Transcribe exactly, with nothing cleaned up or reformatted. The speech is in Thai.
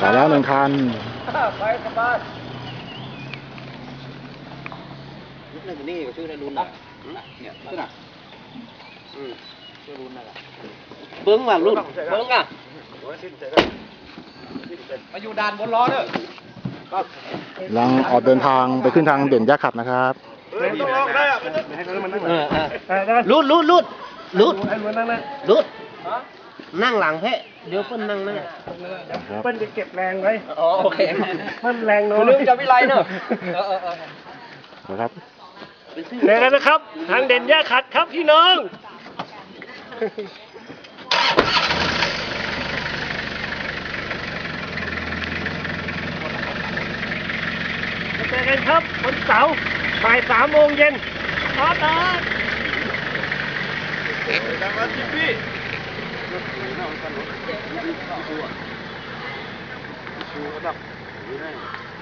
ไปแล้วหนึ่งคันไปสบายยุคนึงนี่ชื่อในรุ่นนะเนี่ยชื่อน่ะอืมชื่อรุ่นนั่นแหละเบิ้งว่ะรุ่นเบิ้งอ่ะมาอยู่ด่านบนล้อเด้อกำลังออกเดินทางไปขึ้นทางเด่นยะขัดนะครับต้องลองได้อ่ะรูดรูดรูดรูดรูดนั่งหลังแพะเดี๋ยวเพิ่นนั่งนั่งเปิ้ลจะเก็บแรงไว้อ๋อโอเคเปิ้ลแรงน้อยลืมจะวิไลเนอะเออเออเออครับเดี๋ยวกันนะครับทางเด่นย่าขัดครับพี่น้องเจอกันครับวันเสาร์บ่ายสามโมงเย็นขอตาดังนั้นพี่พี่ชูระดับ